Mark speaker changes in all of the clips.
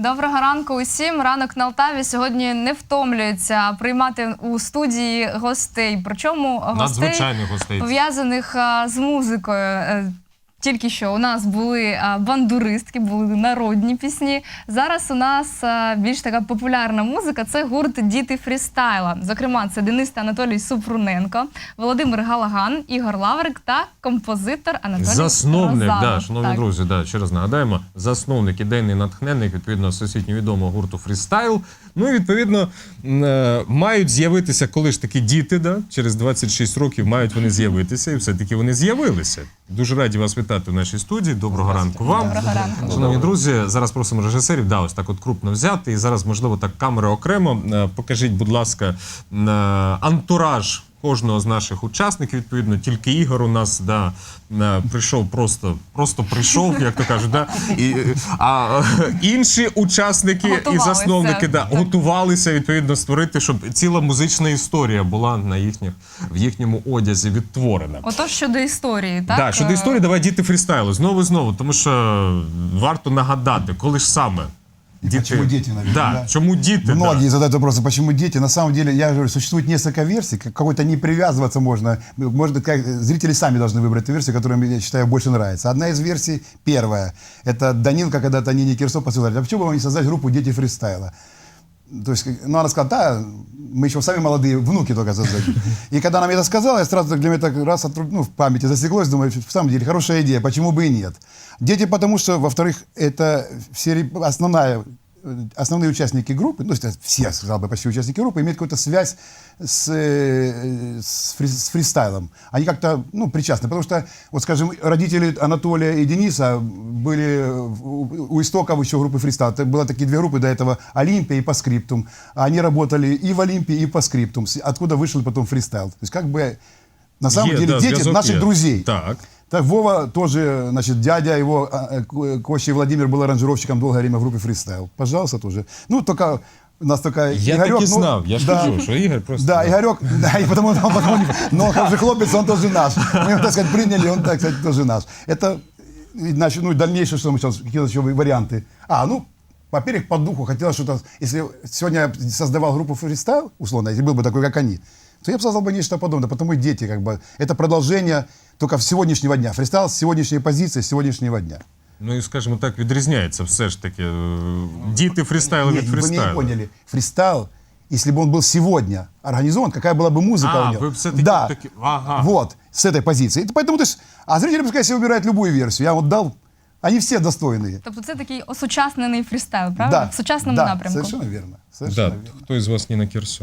Speaker 1: Доброго ранку усім. Ранок на Алтаві сьогодні не втомлюється приймати у студії гостей. Причому
Speaker 2: надзвичайних гостей,
Speaker 1: пов'язаних з музикою. Тільки що у нас були бандуристки, були народні пісні. Зараз у нас більш така популярна музика – це гурт «Діти фрістайла». Зокрема, це Денис та Анатолій Супруненко, Володимир Галаган, Ігор Лаврик та композитор Анатолій
Speaker 2: засновник,
Speaker 1: Розалов.
Speaker 2: Шановні друзі, ще раз нагадаємо, засновник, ідейний натхненник, відповідно, всесвітньо відомого гурту «Фрістайл». Ну і, відповідно, мають з'явитися, коли ж таки діти, через 26 років мають вони з'явитися, і все-таки вони з'явилися. Дуже раді вас вітати в нашій студії. Доброго ранку вам.
Speaker 1: Доброго ранку.
Speaker 2: Шановні друзі, зараз просимо режисерів, ось так от крупно взяти, і зараз, можливо, так камери окремо. Покажіть, будь ласка, антураж кожного з наших учасників, відповідно, тільки Ігор у нас прийшов, просто прийшов, як то кажуть, а інші учасники і засновники готувалися, відповідно, створити, щоб ціла музична історія була в їхньому одязі відтворена.
Speaker 1: Отож, щодо історії, так?
Speaker 2: Так, щодо історії, давай «Діти фрістайлу». Знову і знову, тому що варто нагадати, коли ж саме.
Speaker 3: Почему дети, наверное?
Speaker 2: Да, почему дети?
Speaker 3: Многие задают вопросы, почему дети. На самом деле, я говорю, существует несколько версий, какой-то не привязываться можно. Может быть, как зрители сами должны выбрать ту версию, которая, я считаю, больше нравится. Одна из версий, первая, это Данилка когда-то Нине Кирсо посылали, а почему бы вам не создать группу «Дети фристайла»? То есть, она сказала, да, мы еще сами молодые, внуки только создадим. И когда она мне это сказала, я сразу для меня так раз в памяти засеклось, думаю, в самом деле, хорошая идея, почему бы и нет. Дети, потому что, во-вторых, это основные участники группы, ну, все, сказал бы, почти участники группы, имеют какую-то связь с фристайлом. Они как-то, причастны. Потому что, вот, скажем, родители Анатолия и Дениса были у истоков еще группы фристайл. Это было такие две группы до этого, Олимпия и По скриптум. Они работали и в Олимпии, и По скриптум. Откуда вышел потом фристайл. То есть, как бы, на самом деле, дети наших друзей.
Speaker 2: Так.
Speaker 3: Так, Вова тоже, значит, дядя его, Кощей Владимир, был аранжировщиком долгое время в группе «Фристайл». Пожалуйста, тоже. Ну, только у нас такая...
Speaker 2: Я
Speaker 3: Игорек,
Speaker 2: так и знал, я ж кажу, что Игорь просто...
Speaker 3: Да, Игорек, и потому но он же хлопец, он тоже наш. Мы его, так сказать, приняли, он, так сказать, тоже наш. Это, значит, дальнейшее, что мы сейчас, какие еще варианты. Во-первых, по духу хотелось что-то... Если сегодня я создавал группу «Фристайл», условно, если был бы такой, как они, то я бы создал бы нечто подобное, потому что дети, как бы, это продолжение только с сегодняшнего дня. Фристайл с сегодняшней позиции, с сегодняшнего дня.
Speaker 2: Ну і, скажімо так, відрізняється все ж таки діти фристайлу від фристайлу.
Speaker 3: Вы не поняли. Фристайл, если бы он был сегодня организован, какая была бы музыка у него.
Speaker 2: Вы все-таки...
Speaker 3: Да,
Speaker 2: Ага.
Speaker 3: вот, с этой позиции. Поэтому, то есть, зрители пускай себе выбирают любую версию. Я вот дал, они все достойные.
Speaker 1: Тобто це такий осучаснений фрістайл, правда?
Speaker 3: Да,
Speaker 1: в сучасному
Speaker 3: да,
Speaker 1: напрямку.
Speaker 3: совершенно верно. Совершенно верно.
Speaker 2: Хто із вас Ніна Кірсо?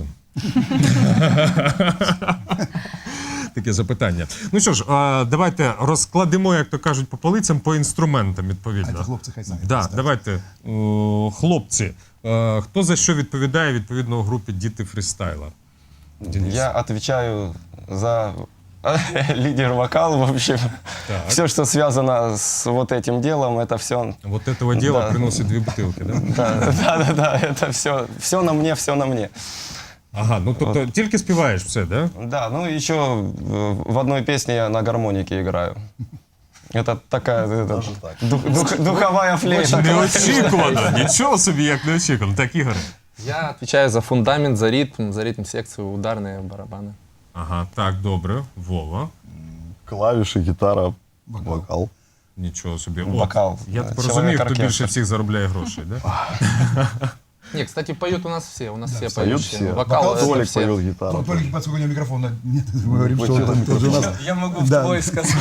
Speaker 2: Таке запитання. Ну що ж, давайте розкладемо, як то кажуть, по полицям, по інструментам, відповідно.
Speaker 3: А це хлопці хай самі
Speaker 2: Да,
Speaker 3: представлять.
Speaker 2: давайте, хлопці, хто за що відповідає, відповідно, у групі «Діти фрістайла»? Денис.
Speaker 4: Я отвечаю за лидер-вокал, в общем.
Speaker 2: Так.
Speaker 4: Все, что связано с вот этим делом, это все...
Speaker 2: Вот этого дела
Speaker 4: Да.
Speaker 2: приносит 2 бутылки, да?
Speaker 4: Да, это все на мне, все на мне.
Speaker 2: Ага, ну тобто тільки співаєш все, да?
Speaker 4: Да, ну еще в одной песне я на гармонике играю. Это такая духовая флейта.
Speaker 2: Неочікувано, нічого собі, як неочікувано. Так, Ігор.
Speaker 5: Я отвечаю за фундамент, за ритм секцию, ударные барабаны.
Speaker 2: Ага, так, добре. Вова.
Speaker 6: Клавіші, гітара, вокал.
Speaker 2: Нічого собі.
Speaker 4: Вокал.
Speaker 2: Я так
Speaker 4: Чоловік
Speaker 2: розумію, хто
Speaker 4: оркестр.
Speaker 2: більше всіх заробляє грошей, да?
Speaker 5: Не, кстати, поют у нас все
Speaker 6: Поют
Speaker 5: поющие.
Speaker 6: все.
Speaker 5: Вокал это
Speaker 6: Толик
Speaker 5: все.
Speaker 6: поет гитару.
Speaker 3: Только поскольку у него микрофона нет, мы говорим, что он тоже у нас.
Speaker 7: Я могу
Speaker 3: Да.
Speaker 7: твой сказать.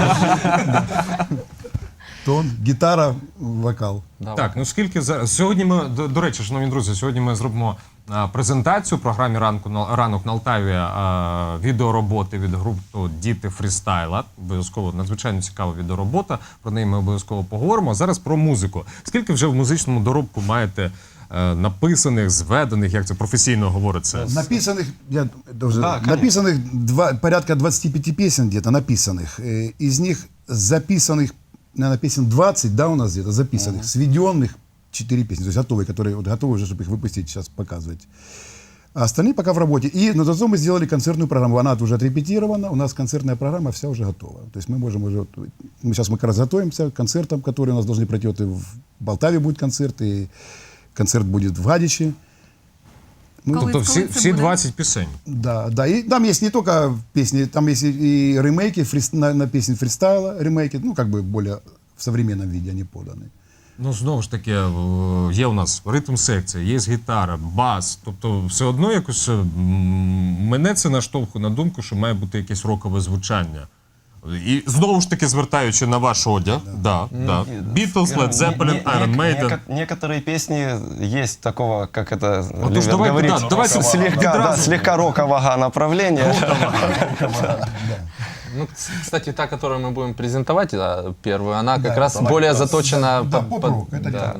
Speaker 3: Тон, гитара, вокал.
Speaker 5: Да,
Speaker 2: Так, ну скільки зараз... Сьогодні ми, до речі, шановні друзі, сьогодні ми зробимо презентацію в програмі «Ранок на Алтаві» відеороботи від групи «Діти фрістайла». Обов'язково надзвичайно цікава відеоробота, про неї ми обов'язково поговоримо. А зараз про музику. Скільки вже в музичному доробку маєте написаних, зведених, як це професійно говориться?
Speaker 3: Написанных, написанных порядка 25 песен где-то написанных. Из них записанных, наверное, песен 20, да, у нас где-то записанных, сведенных 4 песни, то есть готовые, которые вот готовы уже, чтобы их выпустить, сейчас показывать. А остальные пока в работе. И на зато мы сделали концертную программу. Она уже отрепетирована, у нас концертная программа вся уже готова. То есть мы можем уже... Сейчас мы как раз готовимся к концертам, которые у нас должны пройти. Вот и в Полтаве будет концерт, и концерт будет в Гадиче. Ну,
Speaker 1: Коли-
Speaker 2: Тобто
Speaker 1: коли
Speaker 2: всі,
Speaker 1: це
Speaker 2: всі
Speaker 1: буде?
Speaker 2: 20 пісень.
Speaker 3: да, да. И там есть не только песни, там есть и ремейки на песни фристайла, ремейки, ну, как бы более в современном виде они поданы.
Speaker 2: Ну, знову ж таки, є у нас ритм-секція, є гітара, бас. Тобто, все одно якось мене це наштовхує на думку, що має бути якесь рокове звучання. І знову ж таки, звертаючи на ваш одяг, да. Beatles, Led Zeppelin, Iron Maiden.
Speaker 4: Некоторые песни есть такого, как это
Speaker 2: Вот уж
Speaker 4: любят
Speaker 2: давай,
Speaker 4: говорить,
Speaker 2: да, давайте
Speaker 4: слегка,
Speaker 2: відразу.
Speaker 4: слегка рокового направления.
Speaker 5: Ну, кстати, та, которую мы будем презентовать, да, первую, она как раз более заточена...
Speaker 3: Да, поп-рок, это
Speaker 5: да.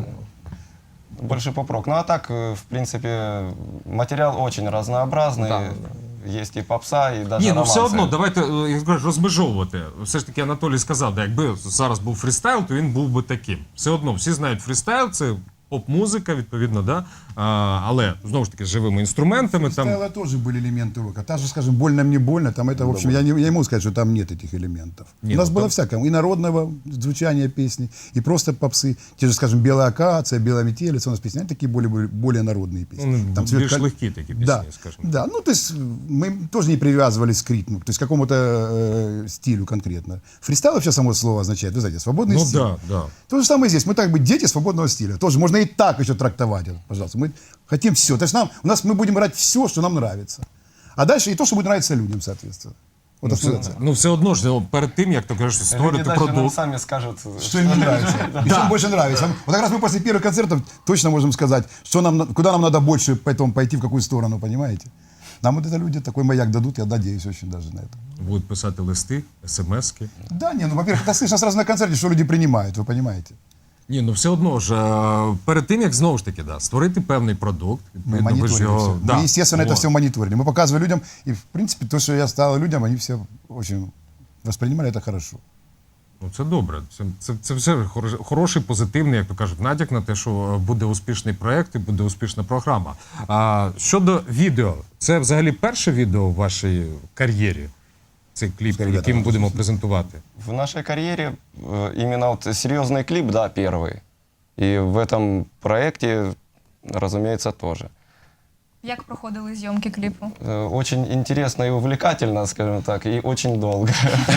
Speaker 4: Больше поп-рок. Ну а так, в принципе, материал очень разнообразный.
Speaker 5: Да,
Speaker 4: Есть и попса, и даже
Speaker 2: Ні, ну все
Speaker 4: романсы.
Speaker 2: одно, давайте як кажуть, розмежовувати. Все ж таки Анатолій сказав, да, якби зараз був фрістайл, то він був би таким. Все одно, всі знають фрістайл, це поп-музика, відповідно, да? Але, знову ж таки, з живими інструментами. Там...
Speaker 3: Фристайла тоже были элементы рока. Та же, скажем, «Больно мне больно», там это, в общем, я не могу сказать, что там нет этих элементов.
Speaker 2: Нет,
Speaker 3: У нас
Speaker 2: ну,
Speaker 3: было
Speaker 2: там-
Speaker 3: всякое, и народного звучания песни, и просто попсы. Те же, скажем, «Белая акация», «Белая метелица», у нас песни, они такие более народные песни.
Speaker 2: Ну,
Speaker 3: Там
Speaker 2: більш
Speaker 3: «Цвет
Speaker 2: легкі такі пісні,
Speaker 3: Да,
Speaker 2: скажімо.
Speaker 3: да, ну то есть мы тоже не привязывались к ритму, то есть к какому-то стилю конкретно. Фристайл вообще само слово означает, вы знаете, свободный
Speaker 2: Ну
Speaker 3: стиль.
Speaker 2: да, да.
Speaker 3: То же самое здесь. Мы так бы дети свободного стиля. Тоже можно и так еще трактовать, это, пожалуйста. Мы хотим все. То есть мы будем брать все, что нам нравится. А дальше и то, что будет нравиться людям, соответственно. Вот
Speaker 2: Ну,
Speaker 3: основная
Speaker 2: все,
Speaker 3: цель.
Speaker 2: ну, все одно ж, ну, перед тим, як то кажеш,
Speaker 4: Люди
Speaker 2: створити
Speaker 4: даже нам
Speaker 2: продукт.
Speaker 4: сами скажут,
Speaker 3: Что им не нравится. И что им больше нравится. Вот как раз мы после первых концертов точно можем сказать, что куда нам надо больше поэтому пойти, в какую сторону, понимаете? Нам вот это люди такой маяк дадут, я надеюсь очень даже на это.
Speaker 2: Будуть писати листи, смски.
Speaker 3: Да, не, ну, во-первых, это слышно сразу на концерте, что люди принимают, вы понимаете.
Speaker 2: Ні, ну все одно ж, перед тим, як знову ж таки, да, створити певний продукт,
Speaker 3: Мы
Speaker 2: відповідно, ви ж
Speaker 3: мониторили
Speaker 2: його...
Speaker 3: все.
Speaker 2: Да,
Speaker 3: Мы, естественно, это
Speaker 2: вот.
Speaker 3: все мониторили. Мы показывали людям, и, в принципе, то, что я стал людям, они все очень воспринимали это хорошо.
Speaker 2: Ну, це добре. Це все хороший, позитивний, як то кажуть, натяк на те, що буде успішний проєкт і буде успішна програма. А щодо відео, це взагалі перше відео в вашій кар'єрі? Цей кліп,
Speaker 3: Ребята,
Speaker 2: який ми будемо презентувати?
Speaker 4: в нашей карьере именно вот серьезный клип, да, первый. И в этом проекте, разумеется, тоже.
Speaker 1: Як проходили зйомки кліпу?
Speaker 4: Очень интересно и увлекательно, скажем так, и очень долго.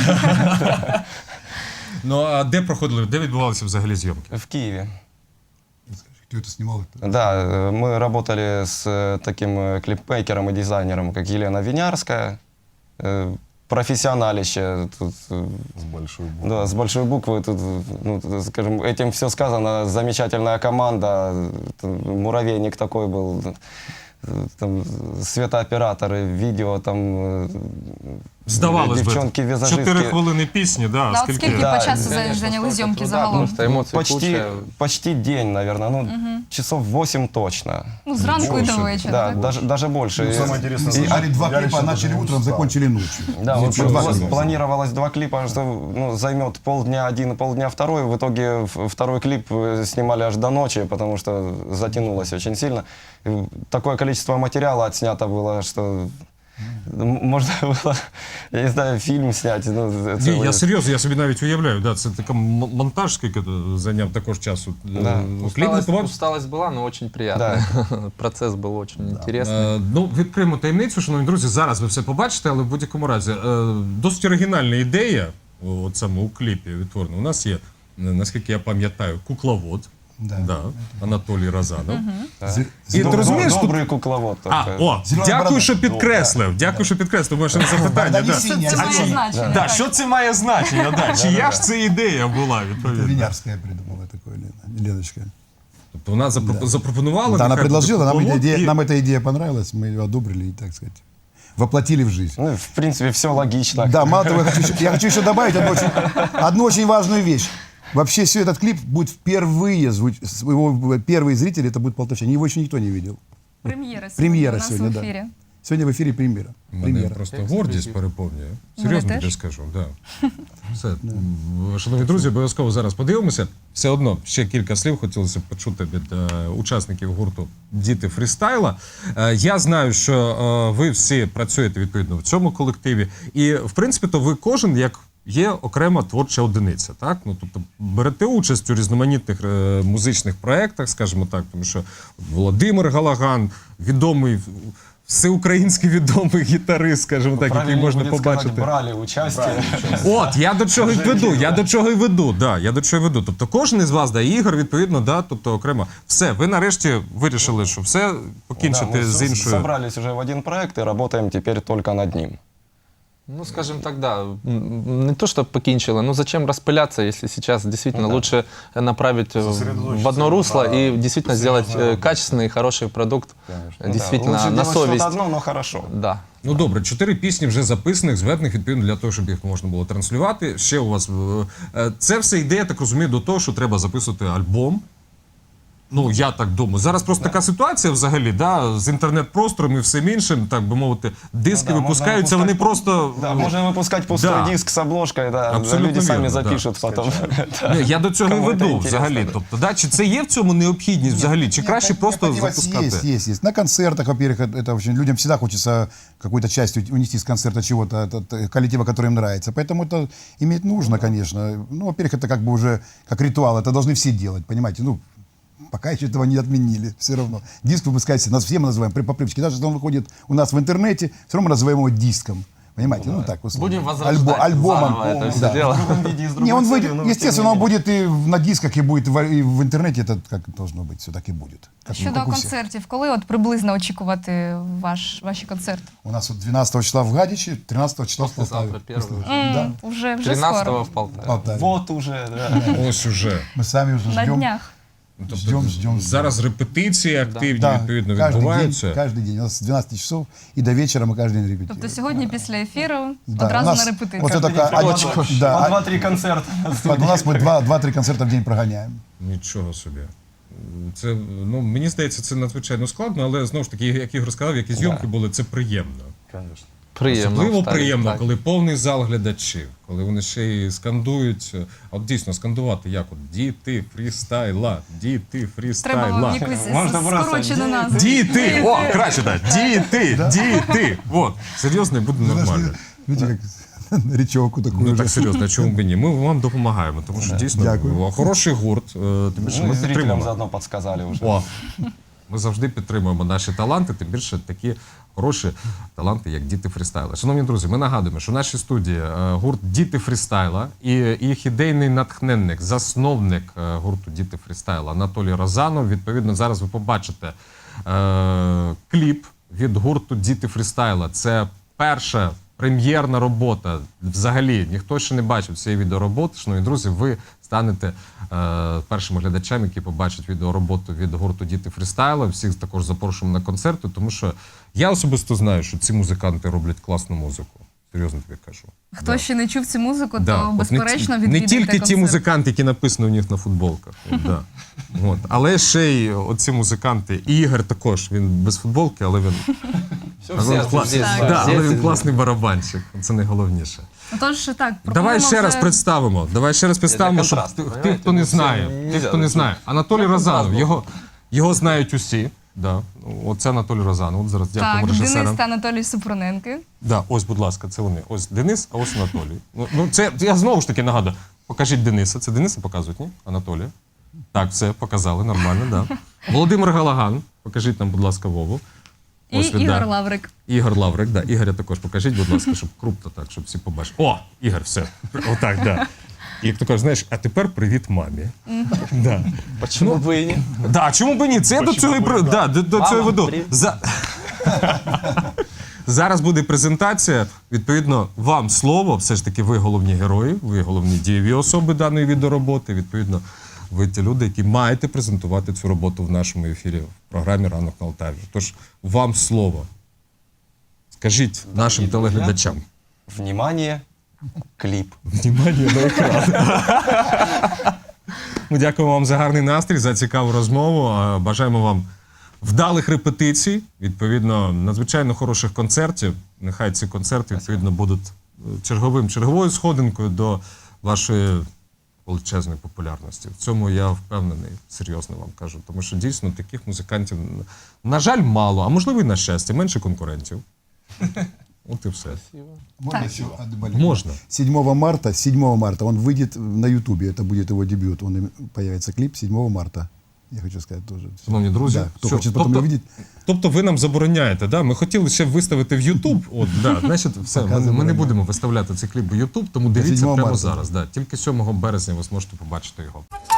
Speaker 2: Ну, а де проходили, де відбувалися взагалі зйомки?
Speaker 4: В Киеве.
Speaker 3: Кто это снимал?
Speaker 4: Да, мы работали с таким клипмейкером и дизайнером, как Елена Винярская. Профессионалище. Тут,
Speaker 6: С большой буквы.
Speaker 4: да, с большой буквы. Тут, ну, тут, скажем, этим все сказано. Замечательная команда. Муравейник такой был. Там, светооператоры, видео, там,
Speaker 2: Здавалось би,
Speaker 4: девчонки-визажистки.
Speaker 2: 4 хвилини пісні, да,
Speaker 1: Ну, от скільки
Speaker 4: Да,
Speaker 1: по часу
Speaker 4: конечно,
Speaker 1: зайняли
Speaker 4: столько
Speaker 1: зйомки
Speaker 4: труда,
Speaker 1: загалом?
Speaker 5: Просто эмоций куча.
Speaker 4: Почти день, наверное. Ну, часов 8 точно.
Speaker 1: Ну, зранку і до
Speaker 2: Больше.
Speaker 1: вечора.
Speaker 4: Да,
Speaker 1: так?
Speaker 4: даже больше.
Speaker 6: Ну,
Speaker 4: И-
Speaker 6: самое интересное,
Speaker 3: Сняли
Speaker 6: слушай,
Speaker 3: два
Speaker 6: я
Speaker 3: клипа,
Speaker 6: лично
Speaker 3: начали
Speaker 6: даже не
Speaker 3: утром,
Speaker 6: устал.
Speaker 3: закончили ночью.
Speaker 4: Да, вот
Speaker 3: Ничего
Speaker 4: вот
Speaker 3: себе.
Speaker 4: планировалось 2 клипа, что ну, займет полдня один и полдня второй. В итоге второй клип снимали аж до ночи, потому что затянулось очень сильно. И такое количество материала отснято было, что можно было, я не знаю, фильм снять. Ну,
Speaker 2: Ні,
Speaker 4: целый.
Speaker 2: я серйозно, я собі навіть уявляю, да, це така монтаж, скільки зайняв також часу.
Speaker 4: Да.
Speaker 2: Кліп готував.
Speaker 5: Усталость была, но очень приятная. Процесс был очень интересный.
Speaker 2: Ну, відкриємо таємницю, шановні друзі, зараз ви все побачите, але в будь-якому разі досить оригінальна ідея, от саме у кліпі відтворена. У нас є, наскільки я пам'ятаю, кукловод,
Speaker 3: Да.
Speaker 2: Анатолій Разанов. І
Speaker 4: Доб-
Speaker 2: ти розумієш, тут...
Speaker 4: добрый кукловод.
Speaker 2: А,
Speaker 4: только.
Speaker 2: о,
Speaker 3: Зелена
Speaker 2: дякую,
Speaker 3: борода.
Speaker 2: що підкреслив. Дякую, що підкреслив. Може, на запитання.
Speaker 3: Борода не
Speaker 2: Да.
Speaker 3: синяя,
Speaker 1: Це
Speaker 3: а
Speaker 1: має
Speaker 3: зеленая.
Speaker 1: значення.
Speaker 2: Да,
Speaker 1: так.
Speaker 2: що це має значення? Да? Чия ж це ідея була,
Speaker 3: Это
Speaker 2: відповідно?
Speaker 3: Винярская придумала такое, Леночка.
Speaker 2: Тобто вона запропонувала.
Speaker 3: Да, она
Speaker 2: нехай
Speaker 3: предложила,
Speaker 2: буде
Speaker 3: нам,
Speaker 2: кукловод, і-
Speaker 3: нам эта идея понравилась, мы ее одобрили и, так сказать, воплотили в жизнь.
Speaker 4: Ну, в принципе, все логично.
Speaker 3: Да, мало того, я хочу еще добавить одну очень важную вещь. Вообще, все этот клип будет впервые его первые зрители, это будут полтавчане. Его еще никто не видел.
Speaker 1: Прем'єра сьогодні
Speaker 3: Прем'єра
Speaker 1: у нас
Speaker 3: сьогодні,
Speaker 1: в
Speaker 3: да.
Speaker 1: ефірі.
Speaker 3: Сегодня в эфире премьера.
Speaker 2: Мене
Speaker 3: Премьера.
Speaker 2: просто гордість переповнює.
Speaker 1: Мене
Speaker 2: Серйозно
Speaker 1: теж.
Speaker 2: тобі скажу. Да. Все. Шановні друзі, обов'язково зараз подивимося. Все одно ще кілька слів хотілося б почути від учасників гурту «Діти фрістайла». Я знаю, що ви всі працюєте відповідно в цьому колективі. І, в принципі, то ви кожен, як є окрема творча одиниця. Так? Ну, тобто берете участь у різноманітних музичних проєктах, скажімо так, тому що Володимир Галаган, відомий, всеукраїнський відомий гітарист, скажімо так, який
Speaker 4: Правильно
Speaker 2: можна
Speaker 4: будет сказать,
Speaker 2: побачити.
Speaker 4: брали участие.
Speaker 2: От, я до чого й веду, я до чого й веду, да, я до чого й веду. Тобто кожен із вас, да, Ігор, відповідно, да, тобто окремо. Все, ви нарешті вирішили, що все
Speaker 4: Да,
Speaker 2: покінчити
Speaker 4: мы
Speaker 2: з іншою.
Speaker 4: собрались уже в один проект и работаем теперь только над ним.
Speaker 5: Ну, скажем так, да, не то, что покинчило, но зачем распыляться, если сейчас действительно лучше направить в одно русло и действительно сделать качественный и хороший продукт, действительно,
Speaker 4: Лучше
Speaker 5: на
Speaker 4: делать что-то
Speaker 5: совесть.
Speaker 4: одно, но хорошо.
Speaker 5: Да.
Speaker 2: Ну добре, 4 пісні вже записаних, зведених, відповідно, для того, щоб їх можна було транслювати. Ще у вас це все йде, я так розумію, до того, що треба записувати альбом. Ну, я так думаю. Зараз просто така ситуація взагалі, да, з інтернет-простором і всім іншим, так би мовити, диски
Speaker 4: Ну да,
Speaker 2: випускаються,
Speaker 4: можна
Speaker 2: вони просто...
Speaker 4: Да, можно выпускать пустой
Speaker 2: Да.
Speaker 4: диск с обложкой, да,
Speaker 2: Абсолютно
Speaker 4: люди сами
Speaker 2: верно,
Speaker 4: запишут
Speaker 2: да.
Speaker 4: потом.
Speaker 2: Ні, я до цього і
Speaker 4: Кому це
Speaker 2: веду
Speaker 4: інтересно,
Speaker 2: взагалі.
Speaker 4: да.
Speaker 2: Тобто, да, чи це є в цьому необхідність взагалі, чи краще просто
Speaker 3: Необходимость
Speaker 2: запускати?
Speaker 3: Есть. На концертах, во-первых, это очень людям всегда хочется какую-то часть унести с концерта чего-то, от коллектива, который им нравится. Поэтому это иметь нужно, конечно. Ну, во-первых, это как бы уже как ритуал, это должны все делать, понимаете? Ну, пока еще этого не отменили, все равно. Диск выпускается, нас все мы называем по привычке. Даже если он выходит у нас в интернете, все равно мы называем его диском. Понимаете? Ну, так, условно.
Speaker 5: Будем возрождать
Speaker 3: Альбомом.
Speaker 5: заново это все
Speaker 3: Да.
Speaker 5: дело.
Speaker 4: В другом виде и с другой
Speaker 3: Не, он
Speaker 4: целью,
Speaker 3: выйдет,
Speaker 4: но тем
Speaker 3: естественно,
Speaker 4: не
Speaker 3: он
Speaker 4: менее.
Speaker 3: будет и на дисках, и будет и в интернете, это как должно быть, все так и будет. Как,
Speaker 1: Щодо
Speaker 3: как у всех.
Speaker 1: концертів, коли от приблизно очікувати ваші концерти?
Speaker 3: У нас вот 12 числа в Гадиче, 13 числа в Полтаве.
Speaker 5: Послезавтра первый.
Speaker 3: Да,
Speaker 1: Вже
Speaker 5: 13-го
Speaker 1: скоро.
Speaker 5: в Полтаве.
Speaker 3: в Полтаве.
Speaker 4: Вот уже, да.
Speaker 2: Ось уже.
Speaker 3: Мы сами уже
Speaker 1: На
Speaker 3: ждем.
Speaker 1: днях.
Speaker 3: Ждем.
Speaker 2: Зараз репетиції активні,
Speaker 3: Да,
Speaker 2: відповідно,
Speaker 3: каждый
Speaker 2: відбуваються.
Speaker 3: день. У нас с 12 часов и до вечера мы каждый день репетируем.
Speaker 1: Тобто сьогодні після ефіру
Speaker 3: Да,
Speaker 1: одразу
Speaker 3: у нас
Speaker 1: на репетицію.
Speaker 3: вот это
Speaker 4: Каждый день
Speaker 3: такая
Speaker 4: приходим,
Speaker 3: да,
Speaker 4: по 2-3 концерта.
Speaker 3: у нас мы 2-3 концерта в день прогоняем.
Speaker 2: Нічого собі. Це, ну, мені здається, це надзвичайно складно, але знову ж таки, як Ігор сказав, які зйомки були, це приємно.
Speaker 6: Конечно.
Speaker 5: Приємно.
Speaker 2: Особливо
Speaker 5: вставить,
Speaker 2: приємно,
Speaker 5: так.
Speaker 2: коли повний зал глядачів, коли вони ще й скандують. А от дійсно скандувати як от діти фрістайла, діти
Speaker 1: Треба
Speaker 2: фрістайла.
Speaker 1: якусь
Speaker 4: Можна просто
Speaker 1: скорочену назву.
Speaker 2: Діти! О, краще так. Діти! От, серйозно, і буде нормально.
Speaker 3: Видите, как речевку такую
Speaker 2: Ну
Speaker 3: же.
Speaker 2: так серйозно, а чому б і ні? Ми вам допомагаємо, тому що дійсно
Speaker 3: Дякую.
Speaker 2: хороший гурт. Тим більше
Speaker 4: Ну и
Speaker 2: ми
Speaker 4: зрителям
Speaker 2: підтримуємо.
Speaker 4: заодно подсказали уже.
Speaker 2: О, ми завжди підтримуємо наші таланти, тим більше такі хороші таланти, як Діти фрістайла. Шановні друзі, ми нагадуємо, що в нашій студії гурт Діти фрістайла і їх ідейний натхненник, засновник гурту Діти фрістайла Анатолій Розанов. Відповідно, зараз ви побачите кліп від гурту Діти фрістайла. Це перша прем'єрна робота. Взагалі, ніхто ще не бачив цієї відеороботи. Шановні друзі, ви станете першими глядачами, які побачать відеороботу від гурту Діти фрістайла. Всіх також запрошуємо на концерти, тому що я особисто знаю, що ці музиканти роблять класну музику. Серйозно тобі кажу.
Speaker 1: Хто ще не чув цю музику,
Speaker 2: Да,
Speaker 1: то
Speaker 2: от
Speaker 1: безперечно
Speaker 2: не
Speaker 1: відвідайте
Speaker 2: тільки ті
Speaker 1: концерт.
Speaker 2: музиканти, які написані у них на футболках. Да. От. Але ще й оці музиканти. І Ігор також, він без футболки, але він, але він, клас...
Speaker 5: здесь,
Speaker 2: да,
Speaker 5: да,
Speaker 2: але
Speaker 5: здесь.
Speaker 2: він класний барабанщик. Це найголовніше.
Speaker 1: Тож так,
Speaker 2: Давай
Speaker 1: пропонуємо
Speaker 2: ще раз
Speaker 1: вже-
Speaker 2: представимо. Давай ще раз представимо, щоб
Speaker 5: контрасту,
Speaker 2: тих,
Speaker 5: понимаете?
Speaker 2: хто не
Speaker 5: Ну, це
Speaker 2: знає.
Speaker 5: нельзя,
Speaker 2: Тих, хто не
Speaker 5: ну,
Speaker 2: знає. Анатолій
Speaker 5: це
Speaker 2: Розанов.
Speaker 5: контраст
Speaker 2: Його знають усі. Да. Оце Анатолій Розанов. От зараз
Speaker 1: Так,
Speaker 2: дякуємо
Speaker 1: Денис
Speaker 2: режисерам.
Speaker 1: та Анатолій Супруненки.
Speaker 2: Да, ось, будь ласка, це вони. Ось Денис, а ось Анатолій. Ну, це я знову ж таки нагадую. Покажіть Дениса. Це Дениса показують, ні? Анатолія. Так, все, показали, нормально, да. Володимир Галаган. Покажіть нам, будь ласка, Вову.
Speaker 1: І
Speaker 2: Ось він,
Speaker 1: Ігор
Speaker 2: да.
Speaker 1: Лаврик.
Speaker 2: Ігор Лаврик, да. Ігоря також покажіть, будь ласка, щоб крупно так, щоб всі побачили. О, Ігор, все. Отак, да. І як то кажеш, знаєш, а тепер привіт мамі. Да.
Speaker 5: Почему бы и нет?
Speaker 2: Да, чому б і ні? Це я до цього і до цього і веду.
Speaker 5: привіт.
Speaker 2: Зараз буде презентація. Відповідно, вам слово. Все ж таки, ви головні герої, ви головні дієві особи даної відеороботи. Відповідно, ви ті люди, які маєте презентувати цю роботу в нашому ефірі в програмі «Ранок на Алтаві». Тож, вам слово. Скажіть нашим телеглядачам.
Speaker 4: Внимание, клип.
Speaker 2: Внимание на екран. Ми дякуємо вам за гарний настрій, за цікаву розмову. Бажаємо вам вдалих репетицій, відповідно, надзвичайно хороших концертів. Нехай ці концерти, відповідно, будуть черговою сходинкою до вашої величезної популярності. В цьому я впевнений, серйозно вам кажу. Тому що дійсно таких музикантів, на жаль, мало, а можливо і на щастя, менше конкурентів. От і все.
Speaker 3: Можно
Speaker 1: Так.
Speaker 3: еще добавить?
Speaker 2: Можно.
Speaker 3: 7 марта он выйдет на Ютубе, это будет его дебют. Появится клип 7 марта. Я хочу сказать тоже.
Speaker 2: Шановні друзі,
Speaker 3: Да, кто
Speaker 2: все.
Speaker 3: хочет потом
Speaker 2: Тобто-
Speaker 3: увидеть.
Speaker 2: Тобто ви нам забороняєте, да? Ми хотіли ще виставити в Ютуб. От, да, значить, все, ми не
Speaker 3: забороняємо.
Speaker 2: будемо виставляти цей кліп в Ютуб, тому дивіться
Speaker 3: 7
Speaker 2: прямо
Speaker 3: марта.
Speaker 2: зараз. Да. Тільки 7 березня ви зможете побачити його.